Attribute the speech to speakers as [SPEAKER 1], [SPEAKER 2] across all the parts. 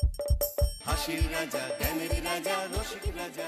[SPEAKER 1] হাসির রাজা, জ্ঞানের রাজা, রসিক রাজা।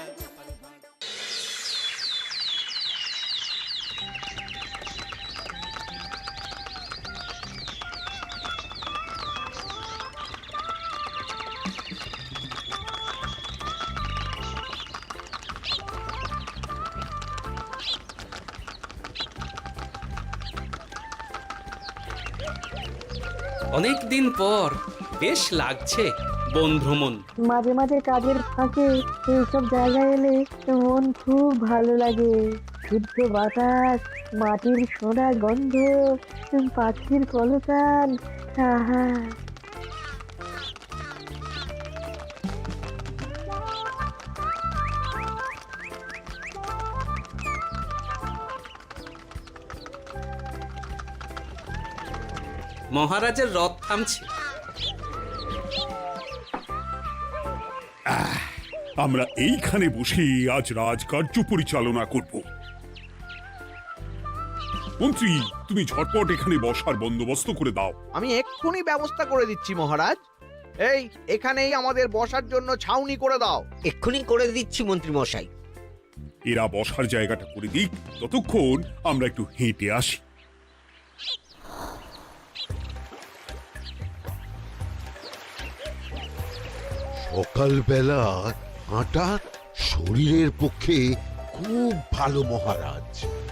[SPEAKER 2] অনেক দিন পর বেশ লাগছে বন ভ্রমণ।
[SPEAKER 3] মাঝে মাঝে কাজের ফাঁকে এইসব জায়গায় এলে মন খুব ভালো লাগে। শুদ্ধ বাতাস, মাটির সোনা গন্ধ, পাখির কলতান, আহা।
[SPEAKER 2] মহারাজের রথ থামছে।
[SPEAKER 4] আমরা এইখানে বসে আজ রাজকার্য পরিচালনা করব। মন্ত্রী, তুমি ঝটপট এখানে বসার বন্দোবস্ত করে দাও।
[SPEAKER 5] আমি এক্ষুনি ব্যবস্থা করে দিচ্ছি মহারাজ। এই এখানেই আমাদের বসার জন্য ছাউনি করে দাও।
[SPEAKER 6] এক্ষুনি করে দিচ্ছি মন্ত্রী মশাই।
[SPEAKER 4] এরা বসার জায়গাটা করে দিক, ততক্ষণ আমরা একটু হেঁটে আসি।
[SPEAKER 7] সকালবেলা হাঁটা শরীরের পক্ষে খুব ভালো মহারাজ।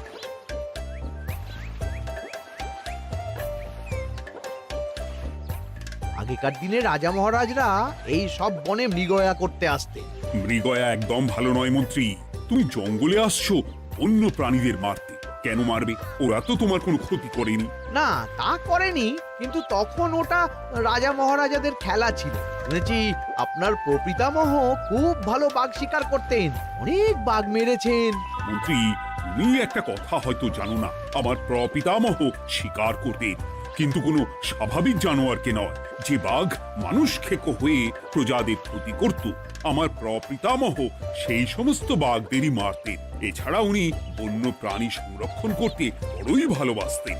[SPEAKER 5] আগেকার দিনে রাজা মহারাজরা এই সব বনে মৃগয়া করতে আসতেন।
[SPEAKER 4] মৃগয়া একদম ভালো নয় মন্ত্রী। তুমি জঙ্গলে আসছো অন্য প্রাণীদের মারতে। কেন মারবে? ওরা তো তোমার কোনো ক্ষতি করেনি।
[SPEAKER 5] না, তা করেনি, কিন্তু তখন ওটা রাজা মহারাজাদের খেলা ছিল। শুনেছি আপনার প্রপিতামহ খুব ভালো বাঘ শিকার করতেন, অনেক বাঘ মেরেছেন।
[SPEAKER 4] মন্ত্রী, তুমি একটা কথা হয়তো জানো না। আমার প্রপিতামহ শিকার করতেন, কিন্তু কোনো স্বাভাবিক জানোয়ারকে নয়। যে বাঘ মানুষ খেকো হয়ে প্রজাদের ক্ষতি করত, আমার প্রপিতামহ সেই সমস্ত বাঘদেরই মারতেন। এছাড়া উনি বন্য প্রাণী সংরক্ষণ করতে বড়ই ভালোবাসতেন।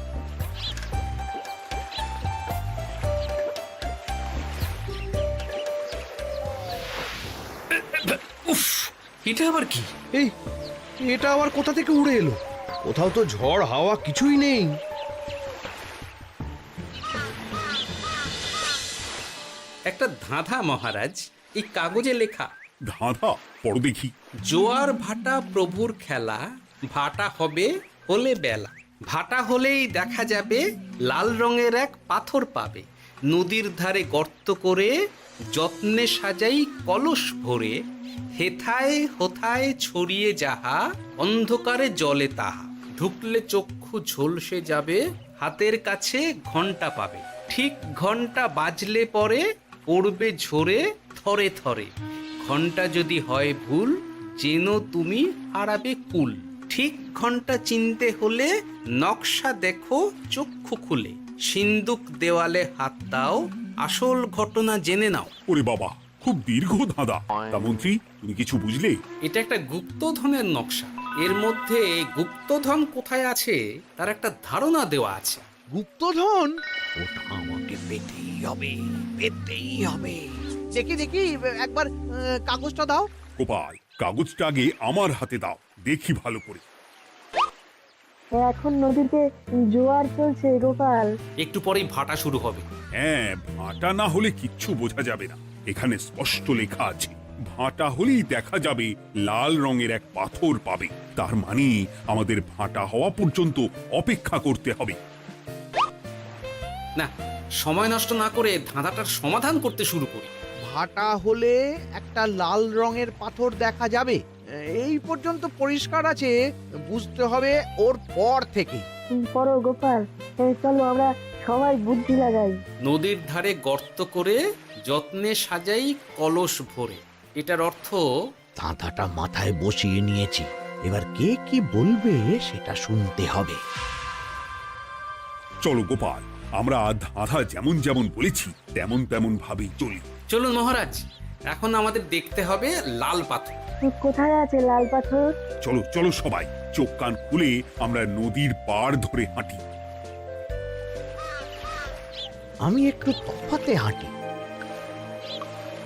[SPEAKER 2] উফ, এটা আবার কি?
[SPEAKER 5] এই এটা আবার কোথা থেকে উড়ে এলো? কোথাও তো ঝড় হাওয়া কিছুই নেই।
[SPEAKER 2] একটা ধাঁধা মহারাজ, এই কাগজে লেখা।
[SPEAKER 4] ধাঁধা? পড়ো দেখি।
[SPEAKER 2] জোয়ার ভাটা প্রভুর খেলা, ভাটা হবে হলে বেলা। ভাটা হলেই দেখা যাবে লাল রঙের এক পাথর পাবে। নদীর ধারে গর্ত করে যত্নে সাজাই কলস ভরে। হেথায় হোথায় ছড়িয়ে যাহা, অন্ধকারে জলে তাহা। ঢুকলে চক্ষু ঝলসে যাবে, হাতের কাছে ঘন্টা পাবে। ঠিক ঘন্টা বাজলে পরে পড়বে ঝরে থরে থরে। ঘন্টা যদি হয় ভুল, যেন তুমি হারাবে কুল। ঠিক ঘন্টা চিনতে হলে নকশা দেখো চক্ষু খুলে। সিন্দুক দেওয়ালে হাত দাও, আসল ঘটনা জেনে নাও।
[SPEAKER 4] ওরে বাবা, খুব দীর্ঘ ধাঁধা। তা মন্ত্রী, তুমি কিছু বুঝলে?
[SPEAKER 2] এটা একটা গুপ্তধনের নকশা। এর মধ্যে গুপ্তধন কোথায় আছে তার একটা ধারণা দেওয়া আছে।
[SPEAKER 5] গুপ্তধন? ওটা আমাকে পেতেই হবে, পেতেই হবে। দেখি দেখি, একবার কাগজটা দাও।
[SPEAKER 4] গোপাল, কাগজটা আগে আমার হাতে দাও, দেখি ভালো করে।
[SPEAKER 3] এখন নদীতে জোয়ার চলছে গোপাল।
[SPEAKER 2] একটু পরেই ভাটা শুরু হবে।
[SPEAKER 4] হ্যাঁ, ভাটা না হলে কিচ্ছু বোঝা যাবে না। এখানে স্পষ্ট লেখা আছে, ভাটা হলেই দেখা যাবে লাল রঙের এক পাথর পাবে। তার মানে আমাদের ভাটা হওয়া পর্যন্ত অপেক্ষা করতে হবে।
[SPEAKER 2] না, সময় নষ্ট না করে ধাঁধাটার সমাধান করতে শুরু করি।
[SPEAKER 5] ভাটা হলে একটা লাল রঙের পাথর দেখা যাবে, এই পর্যন্ত পরিষ্কার আছে। বুঝতে হবে ওর পর থেকে।
[SPEAKER 3] পড়ো গোপাল, চলো আমরা সবাই বুদ্ধি লাগাই।
[SPEAKER 2] নদীর ধারে গর্ত করে যত্নে সাজাই কলস ভরে। এটার অর্থ,
[SPEAKER 5] ধাঁধাটা মাথায় বসিয়ে নিয়েছি, এবার কে কি বলবে সেটা শুনতে হবে।
[SPEAKER 4] চলো গোপাল, আমরা ধাঁধা যেমন যেমন বলেছি তেমন তেমন ভাবেই চলি।
[SPEAKER 2] চলুন মহারাজ, এখন আমাদের দেখতে হবে লাল পাথর।
[SPEAKER 3] কোথায় আছে লাল পাথর?
[SPEAKER 4] চলো চলো সবাই, চোখ কান খুলে আমরা নদীর পাড় ধরে হাঁটি।
[SPEAKER 5] আমি একটু তফাতে হাঁটি।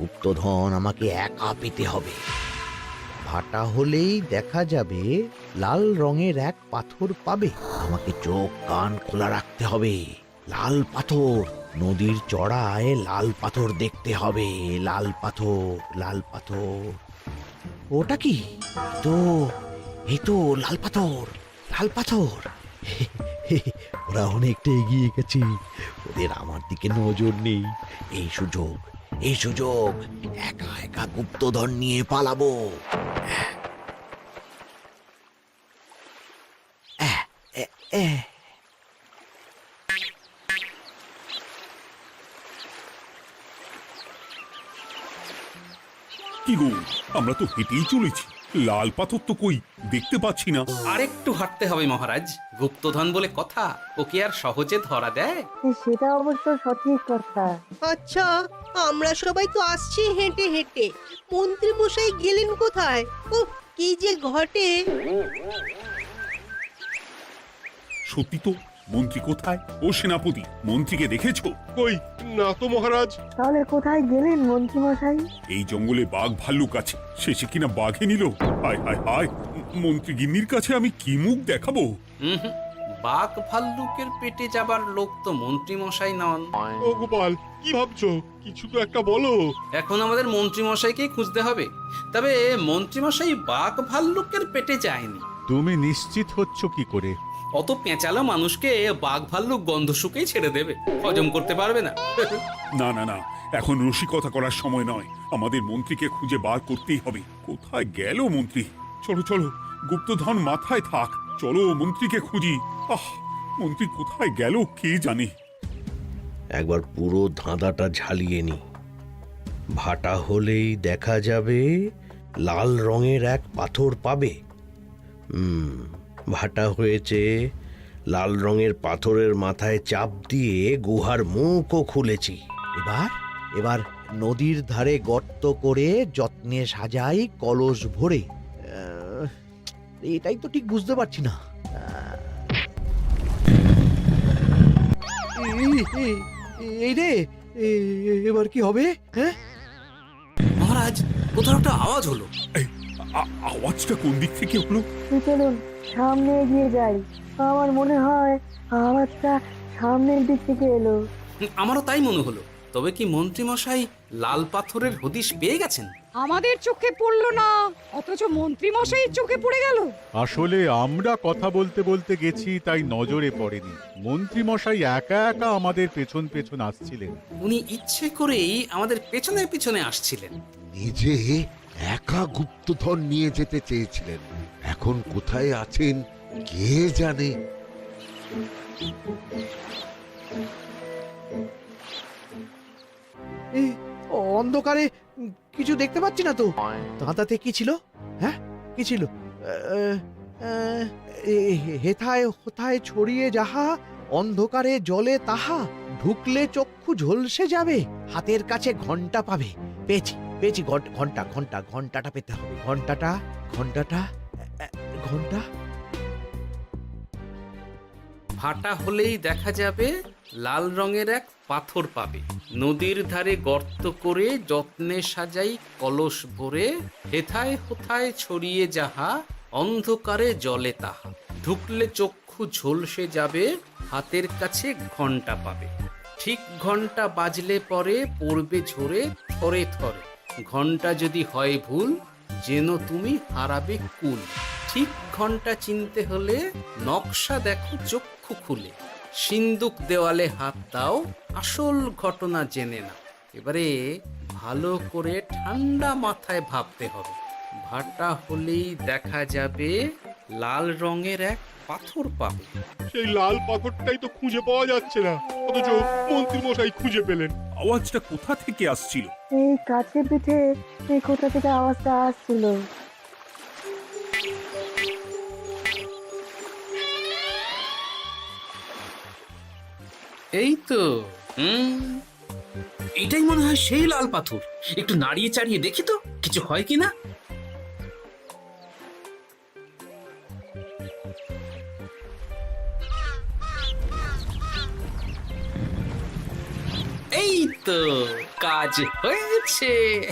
[SPEAKER 5] গুপ্তধন আমাকে একা পেতে হবে। ভাটা হলেই দেখা যাবে লাল রঙের এক পাথর পাবে। আমাকে চোখ কান খোলা রাখতে হবে। লাল পাথর, নদীর চড়ায় লাল পাথর দেখতে হবে। লাল পাথর, লাল পাথর। ওটা কি? তো এই তো লাল পাথর, লাল পাথর। ওরা অনেকটা এগিয়ে গেছে, ওদের আমার দিকে নজর নেই। এই সুযোগ, এই সুযোগ, একা একা গুপ্তধন নিয়ে পালাবো।
[SPEAKER 4] কি গো, আমরা তো হেঁটেই চলেছি, লাল পাথর তো কই দেখতে পাচ্ছি না।
[SPEAKER 2] আরেকটু হাঁটতে হবে মহারাজ, গুপ্তধন বলে কথা, ওকে আর সহজে ধরা দেয়?
[SPEAKER 3] সেটা অবশ্য সঠিক কথা।
[SPEAKER 8] আচ্ছা, আমরা সবাই তো আসছি হেঁটে হেঁটে, মন্ত্রী মশাই গেলেন কোথায়? ও কি যে ঘটে!
[SPEAKER 4] সত্যি তো, মন্ত্রী কোথায়? ও সেনাপতি, মন্ত্রীকে দেখেছো?
[SPEAKER 9] কই না তো মহারাজ।
[SPEAKER 3] তাহলে কোথায় গেলেন মন্ত্রী মশাই?
[SPEAKER 4] এই জঙ্গলে বাঘ ভাল্লুক আছে, শেষে কিনা বাঘে নিল। হায় হায় হায়, মন্ত্রী গিন্নির কাছে আমি কি মুখ দেখাবো?
[SPEAKER 2] হুম, বাঘ ভাল্লুকের পেটে যাবার লোক তো মন্ত্রী মশাই নন।
[SPEAKER 9] ও গোপাল, কি ভাবছো? কিছু তো একটা বলো।
[SPEAKER 2] এখন আমাদের মন্ত্রী মশাইকেই খুঁজতে হবে। তবে মন্ত্রী মশাই বাঘ ভাল্লুকের পেটে যায়নি।
[SPEAKER 10] তুমি নিশ্চিত হচ্ছ কি করে?
[SPEAKER 2] অত পেঁচালো মানুষকে বাঘ ভাল্লুক গন্ধ শুকেই ছেড়ে দেবে, হজম করতে পারবে না।
[SPEAKER 4] না না না, এখন রসিকতা করার সময় নয়, আমাদের মন্ত্রীকে খুঁজে বার করতেই হবে। কোথায় গেল মন্ত্রী? চলো চলো, গুপ্তধন মাথায় থাক, চলো মন্ত্রীকে খুঁজি। আহ, মন্ত্রী কোথায় গেল কে জানে।
[SPEAKER 5] একবার পুরো ধাঁধাটা ঝালিয়ে নি। ভাটা হলেই দেখা যাবে লাল রঙের এক পাথর পাবে। ভাটা হয়েছে, লাল রঙের পাথরের মাথায় চাপ দিয়ে গুহার মুখও খুলেছি। এবার এবার নদীর ধারে গর্ত করে যত্নে সাজাই কলস ভরে। এটাই তো ঠিক বুঝতে পারছি না। এই রে, এবার কি হবে? হ্যাঁ
[SPEAKER 2] মহারাজ, কোথাও একটা আওয়াজ হলো।
[SPEAKER 4] আওয়াজটা কোন দিক থেকে হলো?
[SPEAKER 3] চলুন সামনে এগিয়ে যাই। আমার মনে হয় আওয়াজটা সামনের দিক থেকে এলো।
[SPEAKER 2] আমারও তাই মনে হলো। তবে কি মন্ত্রী মশাই লাল পাথরের হদিশ পেয়ে গেছেন?
[SPEAKER 11] আমাদের চোখে পড়লো না, অথচ মন্ত্রী মশাইয়ের চোখে পড়ে গেল।
[SPEAKER 10] আসলে আমরা কথা বলতে বলতে গেছি, তাই নজরে পড়েনি। মন্ত্রী মশাই একা একা আমাদের পেছন পেছন আসছিলেন।
[SPEAKER 2] উনি ইচ্ছে করেই আমাদের পেছনে পেছনে আসছিলেন।
[SPEAKER 7] নিজে একা গুপ্তধন নিয়ে যেতে চেয়েছিলেন, এখন কোথায় আছেন কে জানে।
[SPEAKER 5] এই অন্ধকারে কিছু দেখতে পাচ্ছি না তো। দাঁতাতে কি ছিল? হ্যাঁ, কি ছিল? হেথায় হোথায় ছড়িয়ে যাহা, অন্ধকারে জলে তাহা, ঢুকলে চক্ষু ঝলসে যাবে, হাতের কাছে ঘন্টা পাবে। পেয়েছি পেয়েছি, ঘন্টা ঘন্টা ঘন্টাটা পেতে হবে। ঘন্টাটা ঘন্টাটা ঘন্টা।
[SPEAKER 2] ভাটা হলেই দেখা যাবে লাল রঙের এক পাথর পাবে। নদীর ধারে গর্ত করে যত্নে সাজাই কলস ভরে, হেথায় হোথায় ছড়িয়ে যাহা, অন্ধকারে জলে তাহা, ঢুকলে চক্ষু ঝলসে যাবে, হাতের কাছে ঘন্টা পাবে। ঠিক ঘন্টা বাজলে পরে পড়বে ঝরে থরে থরে, ঘন্টা যদি হয় ভুল যেন তুমি হারাবে কুল। ঠিক ঘন্টা চিনতে হলে নকশা দেখো চক্ষু খুলে, সিন্দুক দেওয়ালে হাত দাও, আসল ঘটনা জেনে না। এবারে ভালো করে ঠান্ডা মাথায় ভাবতে হবে। ভাটা হলেই দেখা যাবে লাল রঙের এক পাথর পাবে।
[SPEAKER 9] সেই লাল পাথরটাই তো খুঁজে পাওয়া যাচ্ছে না, অথচ মন্ত্রী মশাই খুঁজে পেলেন।
[SPEAKER 4] আওয়াজটা কোথা থেকে আসছিল?
[SPEAKER 3] এই কাছে পিঠে এই কোথা থেকে আওয়াজটা আসছিল।
[SPEAKER 2] এই তো, এটাই মনে হয় সেই লাল পাথর। একটু নাড়িয়ে চাড়িয়ে দেখি তো কিছু হয় কিনা। এই তো, কাজ হয়েছে।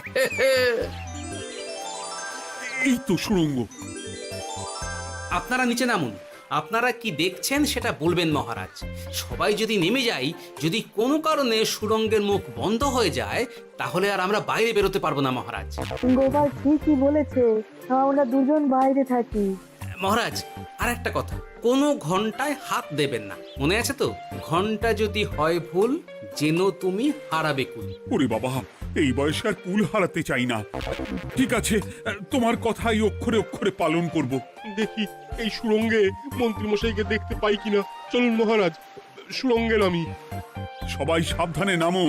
[SPEAKER 4] এই তো সুড়ঙ্গ।
[SPEAKER 2] আপনারা নিচে নামুন। আপনারা কি দেখছেন সেটা বলবেন মহারাজ। সবাই যদি নেমে যাই, যদি কোনো কারণে সুড়ঙ্গের মুখ বন্ধ হয়ে যায়, তাহলে আর আমরা বাইরে বেরোতে পারবো না মহারাজ।
[SPEAKER 3] গোপাল ঠিকই বলেছে, আমরা দুজন বাইরে থাকি।
[SPEAKER 2] মহারাজ, আর একটা কথা, কোনো ঘন্টায় হাত দেবেন না, মনে আছে তো? ঘন্টা যদি হয় ভুল, যেন তুমি হারাবে কুল।
[SPEAKER 4] ওরে বাবা, এই বয়সে আর কুল হারাতে চাই না। ঠিক আছে, তোমার কথাই অক্ষরে অক্ষরে পালন করব।
[SPEAKER 9] দেখি এই সুরঙ্গে মন্ত্রী মশাইকে দেখতে পাই কিনা। চলুন মহারাজ, সুরঙ্গে নামি।
[SPEAKER 4] সবাই সাবধানে নামো।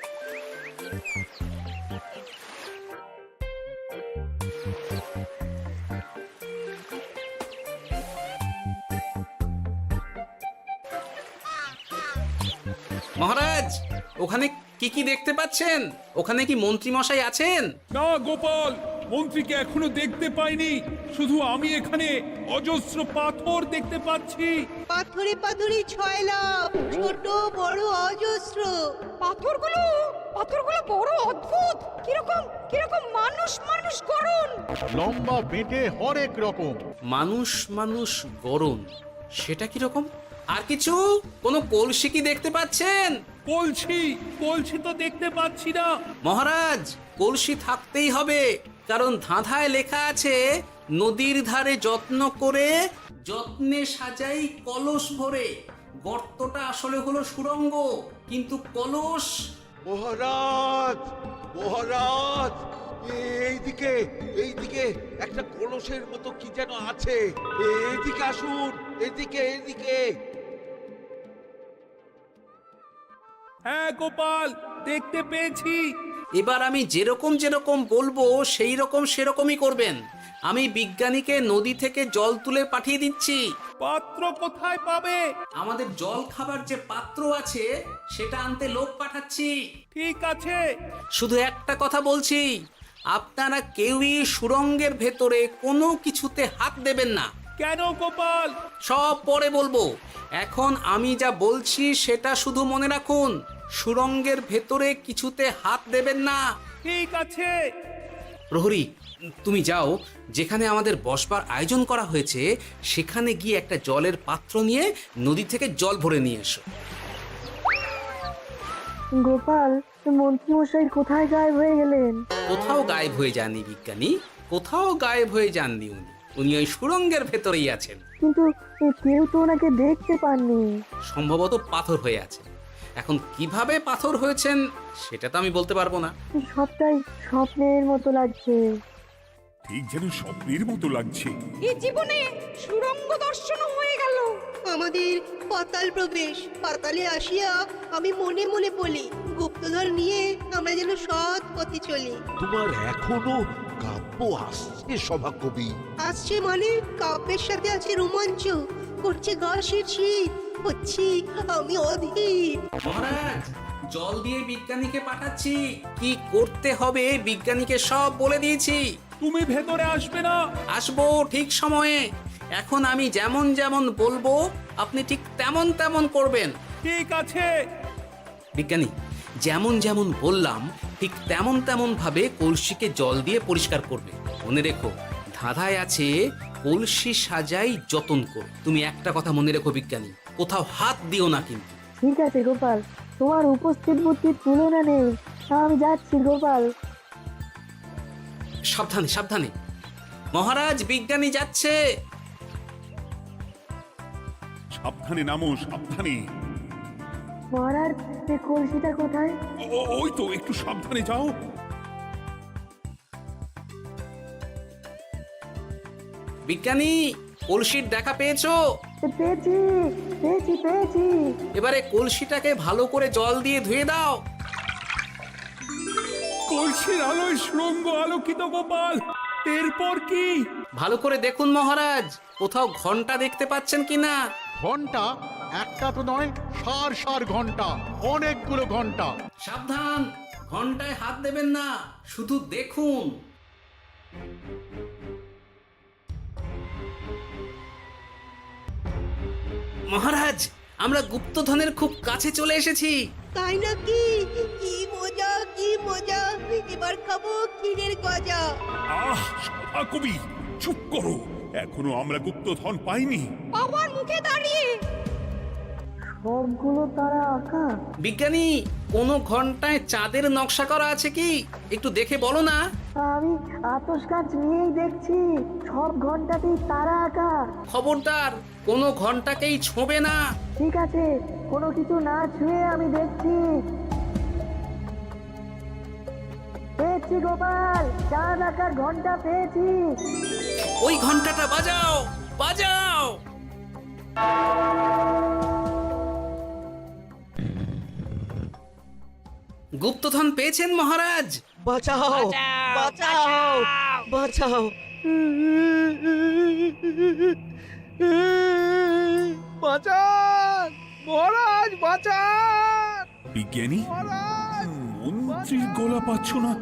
[SPEAKER 2] মহারাজ, ওখানে কি কি দেখতে পাচ্ছেন? ওখানে কি মন্ত্রী মশাই আছেন?
[SPEAKER 4] না গোপাল, মন্ত্রীকে এখনো দেখতে পাইনি। শুধু আমি এখানে অজস্র পাথর দেখতে পাচ্ছি।
[SPEAKER 8] পাথরে পাথরে ছয় লাভ, ছোট বড় অজস্র।
[SPEAKER 11] পাথরগুলো বড় অদ্ভুত, কিরকম কিরকম মানুষ মানুষ গড়ন।
[SPEAKER 10] লম্বা বেঁটে হরেক রকম।
[SPEAKER 2] মানুষ মানুষ গরম, সেটা কি রকম? আর কিছু? কোনো কলসি কি দেখতে পাচ্ছেন?
[SPEAKER 4] কলসি তো দেখতে পাচ্ছি না।
[SPEAKER 2] মহারাজ, কলসি থাকতেই হবে, কারণ ধাঁধায় লেখা আছে, নদীর ধারে যত্ন করে যত্নে সাজাই কলস ভরে। গর্তটা আসলে হলো সুড়ঙ্গ, কিন্তু কলস।
[SPEAKER 7] মহারাজ, মহারাজ, এইদিকে এইদিকে একটা কলসের মতো কি যেন আছে। এইদিকে আসুন, এদিকে এদিকে।
[SPEAKER 4] হ্যাঁ গোপাল, দেখতে পেয়েছি।
[SPEAKER 2] এবার আমি যেরকম যেরকম বলবো সেই রকম সেরকমই করবেন। আমি বিজ্ঞানীকে নদী থেকে জল তুলে পাঠিয়ে দিচ্ছি।
[SPEAKER 4] পাত্র কোথায় পাবে?
[SPEAKER 2] আমাদের জল খাবার যে পাত্র আছে সেটা আনতে লোক পাঠাচ্ছি।
[SPEAKER 4] ঠিক আছে।
[SPEAKER 2] শুধু একটা কথা বলছি, আপনারা কেউই সুড়ঙ্গের ভেতরে কোনো কিছুতে হাত দেবেন না।
[SPEAKER 4] কেন গোপাল?
[SPEAKER 2] সব পরে বলবো, এখন আমি যা বলছি সেটা শুধু মনে রাখুন। সুড়ঙ্গের ভেতরে কিছুতে হাত দেবেন না।
[SPEAKER 4] ঠিক আছে।
[SPEAKER 2] প্রহরী, তুমি যাও, যেখানে আমাদের বসবার আয়োজন করা হয়েছে সেখানে গিয়ে একটা জলের পাত্র নিয়ে নদী থেকে জল ভরে নিয়ে এসো।
[SPEAKER 3] গোপাল, মন্ত্রী মশাই কোথায় গায়েব হয়ে গেলেন?
[SPEAKER 2] কোথাও গায়েব হয়ে যাননি বিজ্ঞানী, কোথাও গায়েব হয়ে যাননি উনি। উনি ওই সুড়ঙ্গের ভেতরেই আছেন।
[SPEAKER 3] কিন্তু কেউ তো ওনাকে দেখতে পাননি।
[SPEAKER 2] সম্ভবত পাথর হয়ে আছে। এখন কিভাবে পাথর হয়েছেন সেটা তো আমি বলতে পারবো না।
[SPEAKER 3] সবটাই স্বপ্নের মতো লাগছে।
[SPEAKER 4] ঠিক যেন স্বপ্নের মতো লাগছে।
[SPEAKER 11] এই জীবনে সুরঙ্গ দর্শন হয়ে গেল।
[SPEAKER 8] আমাদের পাতাল প্রবেশ। পাতালে আসিয়া আমি মনে মনে বলি, গুপ্তধর নিয়ে আমরা যেন সৎ পথে চলি।
[SPEAKER 7] তোমার এখনো কাব্য আসছে সভাকবি?
[SPEAKER 8] আসছে মানে কাব্যের সাথে আছে রোমাঞ্চ, করছে গা শীত, হচ্ছি আমি অধীর।
[SPEAKER 2] মহারাজ, জল দিয়ে বিজ্ঞানীকে পাঠাচ্ছি। কি করতে হবে বিজ্ঞানীকে সব বলে দিয়েছি।
[SPEAKER 4] তুমি ভেতরে আসবে না?
[SPEAKER 2] আসবো ঠিক সময়ে। এখন আমি যেমন যেমন বলবো আপনি ঠিক তেমন তেমন করবেন।
[SPEAKER 4] ঠিক আছে।
[SPEAKER 2] বিজ্ঞানী, যেমন যেমন বললাম ঠিক তেমন তেমন ভাবে কলসিকে জল দিয়ে পরিষ্কার করবে। মনে রেখো, ধাঁধায় আছে কলসি সাজাই যতন কর। তুমি একটা কথা মনে রেখো বিজ্ঞানী, কোথাও হাত দিও না কিন্তু।
[SPEAKER 3] ঠিক আছে গোপাল, তোমার উপস্থিত বুদ্ধির তুলনা নেই। আমি যাচ্ছি গোপাল।
[SPEAKER 2] সাবধানে সাবধানে। মহারাজ, বিজ্ঞানী যাচ্ছে।
[SPEAKER 4] সাবধানে নামো, সাবধানে।
[SPEAKER 3] মহারাজ, কলসিটা কোথায়?
[SPEAKER 4] ওই তো, একটু সাবধানে যাও।
[SPEAKER 2] বিজ্ঞানী, কলসির দেখা পেয়েছো?
[SPEAKER 3] পেয়েছি পেয়েছি পেয়েছি।
[SPEAKER 2] এবারে কলসিটাকে ভালো করে জল দিয়ে ধুয়ে দাও।
[SPEAKER 4] কলসির আলোয় সুড়ঙ্গ আলোকিত গোপাল। এরপর কি?
[SPEAKER 2] ভালো করে দেখুন মহারাজ, কোথাও ঘন্টা দেখতে পাচ্ছেন কিনা?
[SPEAKER 10] ঘন্টা একটা তো নয়, সার সার ঘন্টা, অনেকগুলো ঘন্টা।
[SPEAKER 2] সাবধান, ঘন্টায় হাত দেবেন না, শুধু দেখুন। মহারাজ, আমরা গুপ্তধনের খুব কাছে চলে এসেছি।
[SPEAKER 8] তাই নাকি? কি মজা, কি মজা, এবার খাবো ক্ষীরের গজা।
[SPEAKER 4] আহ সভা কবি, চুপ করো। এখনো আমরা গুপ্তধন পাইনি।
[SPEAKER 11] বাবার মুখে দাঁড়িয়ে
[SPEAKER 3] সবগুলো তারা আঁকা।
[SPEAKER 2] বিজ্ঞানী, কোনো ঘন্টায় চাঁদের নকশা করা আছে কি? একটু দেখে বলো না।
[SPEAKER 3] আমি আতস কাজ নিয়েই দেখছি, সব ঘন্টাতেই তারা আঁকা।
[SPEAKER 2] খবরদার, কোনো ঘন্টাকেই ছোঁবে না।
[SPEAKER 3] ঠিক আছে, কোনো কিছু না ছুঁয়ে আমি দেখছি। পেয়েছি গোপাল, চাঁদ আঁকার ঘন্টা পেয়েছি।
[SPEAKER 2] ওই ঘন্টাটা বাজাও, বাজাও। গুপ্তধন পেয়েছেন মহারাজ?
[SPEAKER 6] বাঁচাও বাঁচাও বাঁচাও।
[SPEAKER 5] বাঁচান মহারাজ, বাঁচান
[SPEAKER 4] বিজ্ঞানী,
[SPEAKER 5] মহারাজ,
[SPEAKER 4] মন্ত্রীর গলা পাচ্ছ না?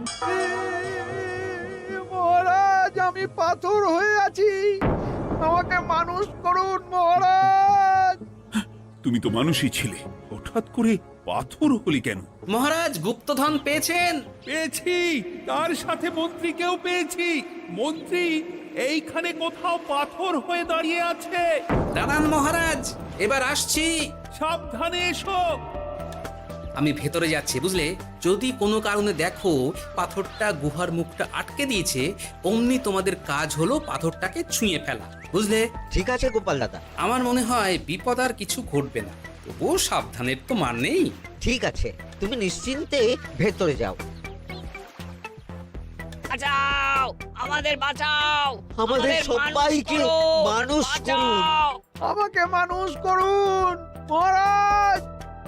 [SPEAKER 5] মহারাজ, আমি পাথর হয়ে আছি, আমাকে মানুষ করুন মহারাজ।
[SPEAKER 4] তুমি তো মানুষই ছিলে, হঠাৎ করে পাথর হলি কেন?
[SPEAKER 2] মহারাজ, গুপ্তধন পেয়েছেন?
[SPEAKER 4] পেয়েছি, তার সাথে মন্ত্রীকেও পেয়েছি। মন্ত্রী এইখানে কোথাও পাথর হয়ে দাঁড়িয়ে আছে।
[SPEAKER 2] দাঁড়ান মহারাজ, এবার আসছি।
[SPEAKER 4] সাবধানে এসো।
[SPEAKER 2] আমি ভেতরে যাচ্ছি, বুঝলে? যদি কোনো কারণে দেখো পাথরটা গুহার মুখটা আটকে দিয়েছে, অমনি তোমাদের কাজ হলো পাথরটাকে ছুঁয়ে ফেলা, বুঝলে?
[SPEAKER 6] ঠিক আছে গোপাল দাদা।
[SPEAKER 2] আমার মনে হয় বিপদ আর কিছু ঘটবে না, তবুও সাবধানের তো মান নেই।
[SPEAKER 6] ঠিক আছে, তুমি নিশ্চিন্তে ভেতরে যাও।
[SPEAKER 11] বাঁচাও, আমাদের বাঁচাও,
[SPEAKER 6] আমাদের সবাইকে মানুষ করুন।
[SPEAKER 5] আমাকে মানুষ করুন মহারাজ।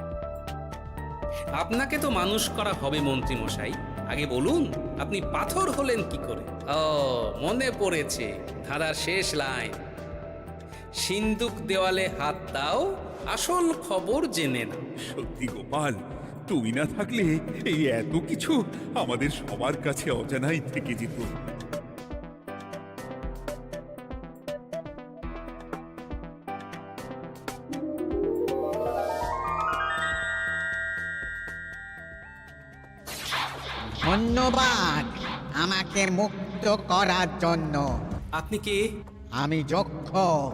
[SPEAKER 2] আপনাকে তো মানুষ করা হবে মন্ত্রী মশাই। আগে বলুন, আপনি পাথর হলেন কি করে? ও, মনে পড়েছে, ধারার শেষ লাইন, সিন্দুক দেওয়ালে হাত দাও, আসল খবর জেনে না।
[SPEAKER 4] সত্যি গোপাল, তুমি না থাকলে এই এত কিছু আমাদের সবার কাছে অজানাই থেকে যেত।
[SPEAKER 12] ধন্যবাদ আমাকে মুক্ত করার জন্য।
[SPEAKER 2] আপনি কে?
[SPEAKER 12] আমি যক্ষ।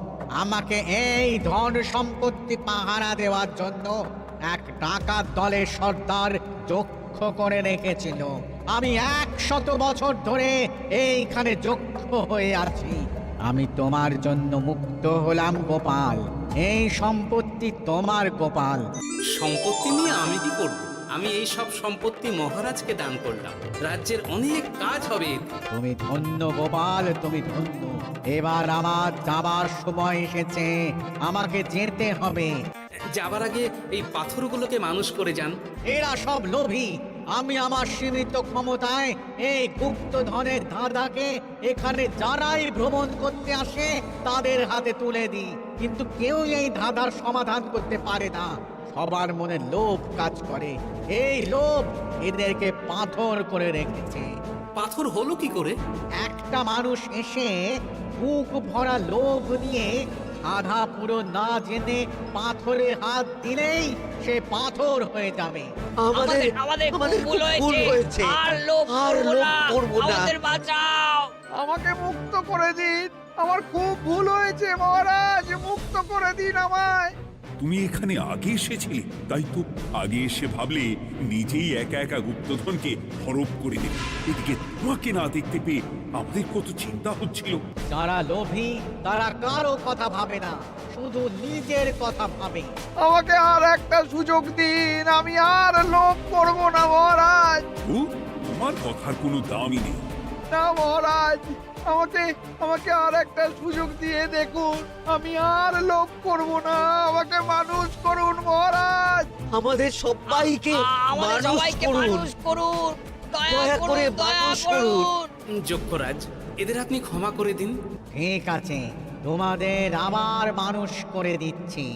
[SPEAKER 12] আমাকে এই ধন সম্পত্তি পাহারা দেওয়ার জন্য এক ডাকাত দলের সর্দার যক্ষ করে রেখেছিল। আমি 100 বছর ধরে এইখানে যক্ষ হয়ে আছি। আমি তোমার জন্য মুক্ত হলাম গোপাল। এই সম্পত্তি তোমার গোপাল।
[SPEAKER 2] সম্পত্তি নিয়ে আমি কি করব? আমি এই সব সম্পত্তি মহারাজকে দান করলাম, রাজ্যের অনেক কাজ হবে।
[SPEAKER 12] তুমি ধন্য গোপাল, তুমি ধন্য। এবার আমার যাবার সময় এসেছে, আমাকে যেতে হবে।
[SPEAKER 2] যাবার আগে এই পাথরগুলোকে মানুষ করে যান।
[SPEAKER 12] এরা সব লোভী। আমি আমার সীমিত ক্ষমতায় এই গুপ্তধনের ধাঁধাকে এখানে যারাই ভ্রমণ করতে আসে তাদের হাতে তুলে দিই, কিন্তু কেউ এই ধাঁধার সমাধান করতে পারে না। সবার মনে লোভ কাজ করে, এই লোভ এদেরকে পাথর করে রেখেছে।
[SPEAKER 2] পাথর হলো কি করে?
[SPEAKER 12] একটা মানুষ এসে বুক ভরা লোভ নিয়ে আধা পুরো না জেনে পাথরে হাত দিলেই সে পাথর হয়ে যাবে।
[SPEAKER 6] আমাদের
[SPEAKER 11] আমাদের
[SPEAKER 6] আমাদের
[SPEAKER 11] ভুল
[SPEAKER 6] ভুল হয়েছে।
[SPEAKER 11] আর লোভ
[SPEAKER 6] আর
[SPEAKER 11] করবো
[SPEAKER 6] লোভ
[SPEAKER 11] না,
[SPEAKER 6] করবো না।
[SPEAKER 11] আমাদের বাঁচাও।
[SPEAKER 5] আমাকে মুক্ত করে দিন, আমার খুব ভুল হয়েছে মহারাজ, মুক্ত করে দিন আমায়।
[SPEAKER 4] তুমি এখানে আগে এসেছিলে, তাই তো আগে এসে ভাবলে নিজেই একা একা গুপ্তধনকে হরপ করে দেবে। এদিকে তোমাকে না দেখতে পেয়ে আমাদের কত চিন্তা হচ্ছিল।
[SPEAKER 12] যারা লোভী তারা কারো কথা ভাবে না, শুধু নিজের কথা ভাবে।
[SPEAKER 5] আমাকে আর একটা সুযোগ দিন, আমি আর লোভ করব না মহারাজ।
[SPEAKER 4] ও, তোমার কথার কোনো দামই নেই।
[SPEAKER 5] না মহারাজ, আমাকে আমাকে আর একটা সুযোগ দিয়ে দেখুন, আমি আর লোভ করব না, আমাকে মানুষ করুন মহারাজ।
[SPEAKER 6] আমাদের সবাইকে
[SPEAKER 11] আমাদের
[SPEAKER 6] মানুষ
[SPEAKER 11] সবাইকে
[SPEAKER 6] করুন।
[SPEAKER 11] মানুষ করুন,
[SPEAKER 6] দয়া
[SPEAKER 11] দয়া
[SPEAKER 6] করে
[SPEAKER 11] করুন, দয়া
[SPEAKER 6] মানুষ করুন।
[SPEAKER 11] করুন।
[SPEAKER 2] যক্ষরাজ, এদের আপনি ক্ষমা করে দিন।
[SPEAKER 12] ঠিক আছে, তোমাদের আবার মানুষ করে দিচ্ছি।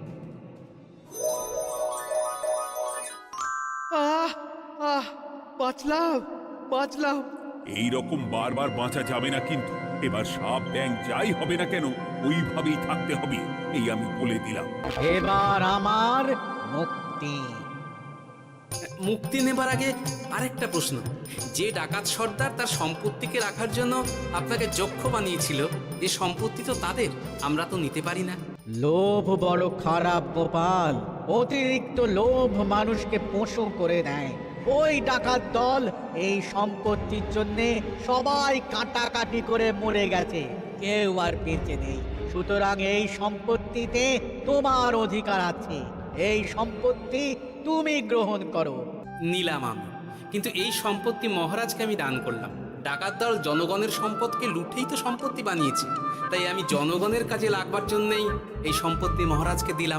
[SPEAKER 5] বাঁচলাম বাঁচলাম।
[SPEAKER 4] এই রকম বারবার বাঁচা যাবে না, কিন্তু এবার সাপ ব্যাং যাই হবে না কেন ওইভাবেই থাকতে হবে, এই আমি বলে দিলাম।
[SPEAKER 12] এবার আমার মুক্তি।
[SPEAKER 2] মুক্তি নেবার আগে আরেকটা প্রশ্ন, যে ডাকাত সর্দার তার সম্পত্তিকে রাখার জন্য আপনাকে যক্ষ বানিয়েছিল, এই সম্পত্তি তো তাদের, আমরা তো নিতে পারি না।
[SPEAKER 12] লোভ বড় খারাপ গোপাল, অতিরিক্ত লোভ মানুষকে পশু করে দেয়। ওই ডাকাত দল এই সম্পত্তির জন্য সবাই কাটাকাটি করে মরে গেছে, কেউ আর বেঁচে নেই। সুতরাং এই সম্পত্তিতে তোমার অধিকার আছে, এই সম্পত্তি তুমি গ্রহণ করো।
[SPEAKER 2] নিলাম আমি, কিন্তু এই সম্পত্তি মহারাজকে আমি দান করলাম। ডাকাত দল জনগণের সম্পদকে লুঠেই তো সম্পত্তি বানিয়েছে, তাই আমি জনগণের কাজে লাগবার জন্যই এই সম্পত্তি মহারাজকে দিলাম।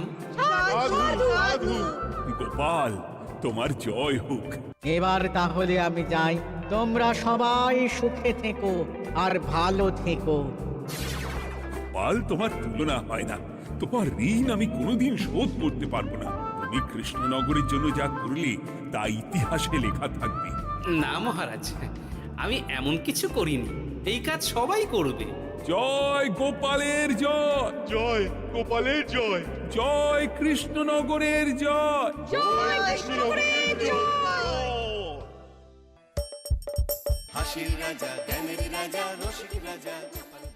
[SPEAKER 4] গোপাল, তোমার জয় হোক।
[SPEAKER 12] এবার তাহলে আমি যাই, তোমরা সবাই সুখে থেকো আর ভালো থেকো।
[SPEAKER 4] গোপাল, তোমার তুলনা হয় না। তোমার ঋণ আমি কোনোদিন শোধ করতে পারবো না। তুমি কৃষ্ণনগরের জন্য যা করলে তা ইতিহাসে লেখা থাকবে।
[SPEAKER 2] না মহারাজ, আমি এমন কিছু করিনি, এই কাজ সবাই করবে।
[SPEAKER 4] জয় গোপালের জয়,
[SPEAKER 9] জয় গোপালের জয়,
[SPEAKER 4] জয় কৃষ্ণনগরের জয়।
[SPEAKER 1] হাসির রাজা জ্ঞানের রাজা রসিক রাজা গোপাল